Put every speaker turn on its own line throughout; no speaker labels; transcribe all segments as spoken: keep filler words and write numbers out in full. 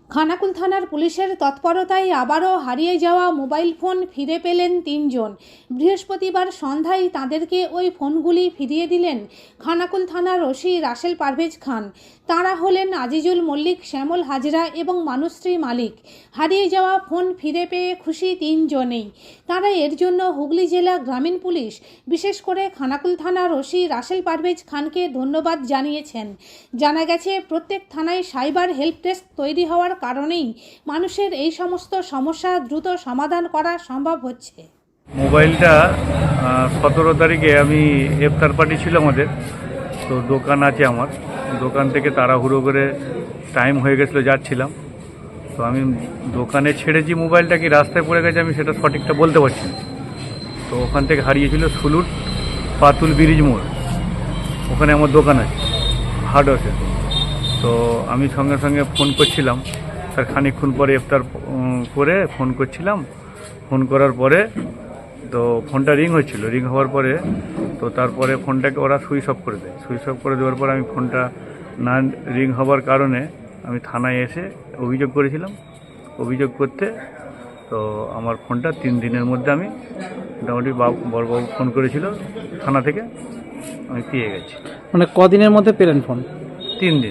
খানাকুল থানার পুলিশের তৎপরতায় আবারও হারিয়ে যাওয়া মোবাইল ফোন ফিরে পেলেন তিনজন। বৃহস্পতিবার সন্ধ্যায় তাদেরকে ওই ফোনগুলি ফিরিয়ে দিলেন খানাকুল থানার ওসি রাসেল পারভেজ খান। তাঁরা হলেন আজিজুল মল্লিক, শ্যামল হাজরা এবং মানুশ্রী মালিক। হারিয়ে যাওয়া ফোন ফিরে পেয়ে খুশি তিনজনেই। তাঁরা এর জন্য হুগলি জেলা গ্রামীণ পুলিশ, বিশেষ করে খানাকুল থানার ওসি রাসেল পারভেজ খানকে ধন্যবাদ জানিয়েছেন। জানা গেছে, প্রত্যেক থানায় সাইবার হেল্প ডেস্ক তৈরি হওয়ার কারণেই মানুষের এই সমস্ত সমস্যা দ্রুত সমাধান করা সম্ভব হচ্ছে।
মোবাইলটা সতেরো তারিখে আমি ইফতার পার্টি ছিল আমাদের, তো দোকান আছে আমার, দোকান থেকে তাড়াহুড়ো করে টাইম হয়ে গেছিলো, যাচ্ছিলাম, তো আমি দোকানে ছেড়েছি মোবাইলটা কি রাস্তায় পড়ে গেছে আমি সেটা সঠিকটা বলতে পারছি না। তো ওখান থেকে হারিয়েছিল সুলুট পাতুল ব্রিজ মোড়, ওখানে আমার দোকান আছে হার্ডওয়্যার। তো আমি সঙ্গে সঙ্গে ফোন করছিলাম, তার খানিকক্ষণ পরে ইফতার করে ফোন করছিলাম। ফোন করার পরে তো ফোনটা রিং হচ্ছিল, রিং হওয়ার পরে তো তারপরে ফোনটাকে ওরা সুইচ অফ করে দেয়। সুইচ অফ করে দেওয়ার পরে আমি ফোনটা না রিং হওয়ার কারণে আমি থানায় এসে অভিযোগ করেছিলাম। অভিযোগ করতে তো আমার ফোনটা তিন দিনের মধ্যে আমি মোটামুটি বাবু বড়বাবু ফোন করেছিল থানা থেকে, আমি পেয়ে গেছি।
মানে কদিনের মধ্যে পেলেন ফোন?
তিন দিন।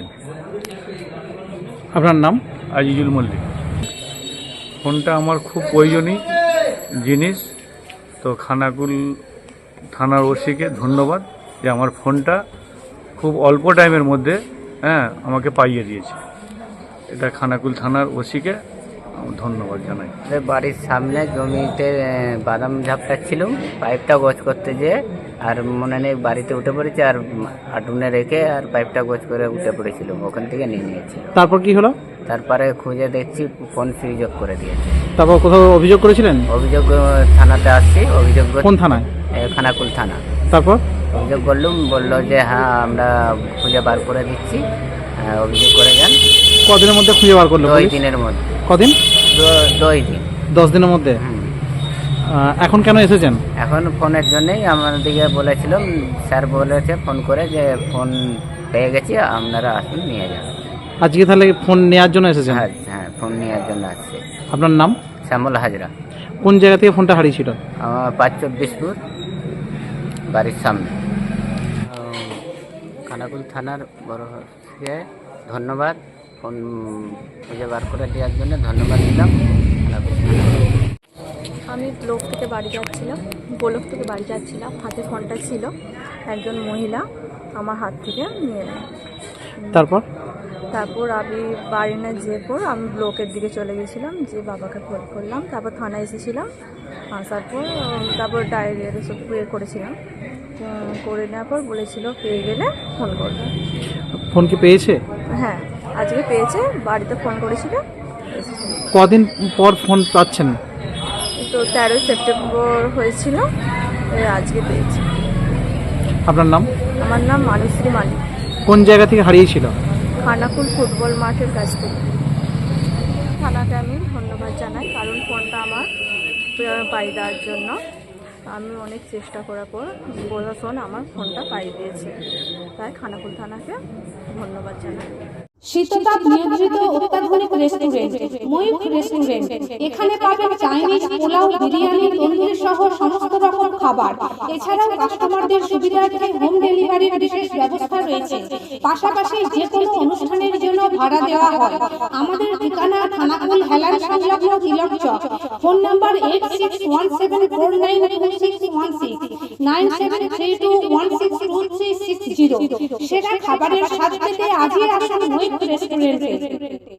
আপনার নাম?
আজিজুল মল্লিক। ফোনটা আমার খুব প্রয়োজনীয় জিনিস, তো খানাকুল থানার ওসিকে ধন্যবাদ যে আমার ফোনটা খুব অল্প টাইমের মধ্যে হ্যাঁ আমাকে পাইয়ে দিয়েছে। এটা খানাকুল থানার ওসিকে ধন্যবাদ জানাই।
বাড়ির সামনে জমিতে বাদাম ঝাপটাচ্ছিলাম, পাইপটা গোছ করতে যেয়ে আর মনে নেই বাড়িতে উঠে পড়েছে, আর আটুনে রেখে আর পাইপটা গোছ করে উঠে পড়েছিলাম, ওখান থেকে নিয়ে নিয়েছিল।
তারপর কি হলো?
তারপরে খুঁজে দেখছি ফোন সুইচ অফ করে দিয়েছে।
তারপর কোথাও অভিযোগ করেছিলেন?
অভিযোগ থানাতে আসছি, অভিযোগ।
কোন থানায়?
খানাকুল থানা।
তারপর
অভিযোগ করলুম, বললো যে হ্যাঁ আমরা খুঁজে বার করে দিচ্ছি, অভিযোগ করে যান।
কদিনের মধ্যে খুঁজে বার করলো?
দুই দিনের মধ্যে।
কদিন?
দুই দিন।
দশ দিনের মধ্যে। এখন কেন এসেছেন? এখন
ফোনের জন্যই আমাদেরকে বলেছিলাম, স্যার বলেছে ফোন করে যে ফোন পেয়ে গেছি, আপনারা আসুন নিয়ে যান।
আজকে তাহলে ফোন নেওয়ার জন্য এসেছেন?
হ্যাঁ হ্যাঁ, ফোন নেওয়ার জন্য আসছে।
আপনার নাম?
শ্যামল হাজরা।
কোন জায়গা থেকে ফোনটা হারিয়েছিল?
আমার পাঁচ চব্বিশপুর বাড়ির সামনে। খানাকুল থানার বড় ধন্যবাদ, ফোন খুঁজে বার করে দেওয়ার জন্য ধন্যবাদ দিলাম।
আমি ব্লক থেকে বাড়ি যাচ্ছিলাম, ব্লক থেকে বাড়ি যাচ্ছিলাম, হাতে ফোনটা ছিল, একজন মহিলা আমার হাত থেকে নিয়ে নেয়।
তারপর
তারপর আমি বাড়ি না যেয়ে পর আমি ব্লকের দিকে চলে গেছিলাম, যে বাবাকে ফোন করলাম, তারপর থানায় এসেছিলাম। আসার পর তারপর ডায়েরি সব ইয়ে করেছিলাম, করে নেওয়ার পর বলেছিল পেয়ে গেলে ফোন করবে।
ফোন কি পেয়েছে?
হ্যাঁ, আজকে পেয়েছে, বাড়িতে ফোন করেছিল।
কদিন পর ফোন পাচ্ছেন?
তো তেরোই সেপ্টেম্বর হয়েছিল, আজকে পেয়েছি।
আপনার নাম?
আমার নাম মানুশ্রী মালিক।
কোন জায়গা থেকে হারিয়েছিল?
খানাকুল ফুটবল মাঠের কাছ থেকে। থানাকে আমি ধন্যবাদ জানাই, কারণ ফোনটা আমার পাই দেওয়ার জন্য আমি অনেক চেষ্টা করার পর প্রশাসন আমার ফোনটা পাই দিয়েছে, তাই খানাকুল থানাকে ধন্যবাদ জানাই।
শীততাপ নিয়ন্ত্রিত অত্যাধুনিক রেস্টুরেন্ট ময়ূখ রেস্টুরেন্ট। এখানে পাবেন চাইনিজ, পোলাও, বিরিয়ানি, তন্দুরি সহ সমস্ত রকম খাবার। এছাড়াও কাস্টমারদের সুবিধার্থে হোম ডেলিভারির বিশেষ ব্যবস্থা রয়েছে। পাশাপাশি যে কোনো অনুষ্ঠানের জন্য ভাড়া দেওয়া হয়। আমাদের ঠিকানা খানাকুল হেলান সংলগ্ন Tilak Chak. Phone number eight six one seven four nine two six one six, nine seven three two one six two three six zero. সেরা খাবারের স্বাদ পেতে আজই আসুন ময়ূখ রেস্টুরেন্টে।